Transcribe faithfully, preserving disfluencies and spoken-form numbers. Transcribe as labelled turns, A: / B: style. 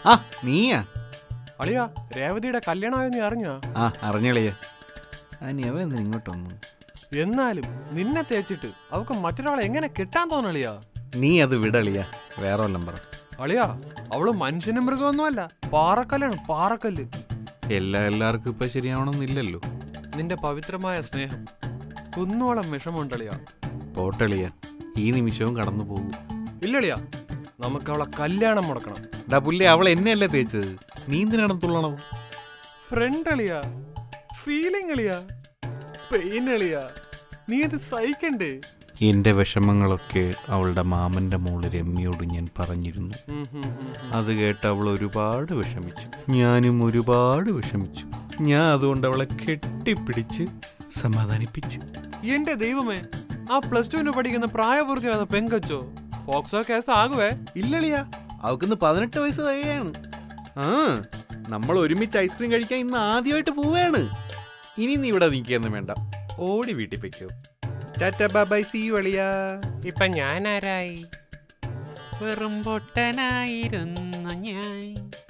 A: ആ നീയാ?
B: അളിയാ രേവതിയുടെ കല്യാണമായോ നീ അറിഞ്ഞോ?
A: ആ അറിഞ്ഞളിയ. അവ എന്തിനാ ഇങ്ങോട്ട് വന്നു?
B: എന്നാലും നിന്നെ തേച്ചിട്ട് അവക്ക് മറ്റൊരാളെ എങ്ങനെ കിട്ടാൻ തോന്നളിയാ?
A: നീ അത് വിടളിയ, വേറെ വല്ലം പറ.
B: അളിയാ അവള് മനുഷ്യനും മൃഗമൊന്നുമല്ല, പാറക്കല്ലാണ്, പാറക്കല്ല്.
A: എല്ലാ എല്ലാവർക്കും ഇപ്പൊ ശരിയാവണമെന്നില്ലല്ലോ.
B: നിന്റെ പവിത്രമായ സ്നേഹം കുന്നോളം വിഷമമുണ്ടളിയാ.
A: പോട്ടളിയ, ഈ നിമിഷവും കടന്നു പോകും.
B: ഇല്ലളിയാ, നമുക്ക് അവളെ കല്യാണം മുടക്കണം.
A: ഡാ പുല്ലേ, അവൾ എന്നെയല്ലേ തേച്ചത്, നീ എന്തിനാണ് തുള്ളണത്?
B: ഫ്രണ്ട് അളിയാ, ഫീലിംഗ് അളിയാ, പെയിൻ അളിയാ, നീ അത് സഹിക്കണ്ടേ?
A: എന്റെ വിഷമങ്ങളൊക്കെ അവളുടെ മാമന്റെ മോള് രമ്യയോട് ഞാൻ പറഞ്ഞിരുന്നു. അത് കേട്ട് അവൾ ഒരുപാട് വിഷമിച്ചു, ഞാനും ഒരുപാട് വിഷമിച്ചു. ഞാൻ അതുകൊണ്ട് അവളെ കെട്ടിപ്പിടിച്ച് സമാധാനിപ്പിച്ചു.
B: എന്റെ ദൈവമേ, ആ പ്ലസ് ടുവിന് പഠിക്കുന്ന പ്രായപൂർത്തിയാകുന്ന പെങ്കച്ചോ ഫോക്സോ കേസ് ആകുവേ?
A: ഇല്ലളിയാ, അവക്കിന്ന് പതിനെട്ട് വയസ്സ് തയ്യാണ്. ആ നമ്മൾ ഒരുമിച്ച് ഐസ്ക്രീം കഴിക്കാൻ ഇന്ന് ആദ്യമായിട്ട് പോവുകയാണ്. ഇനി നീ ഇവിടെ നിൽക്കുകയൊന്നും വേണ്ട, ഓടി വീട്ടിൽ പൊയ്ക്കോ. Tata bye bye, see you അളിയാ.
C: ഇപ്പൊ ഞാൻ ആരായി? വെറും പൊട്ടനായിരുന്നു ഞാൻ.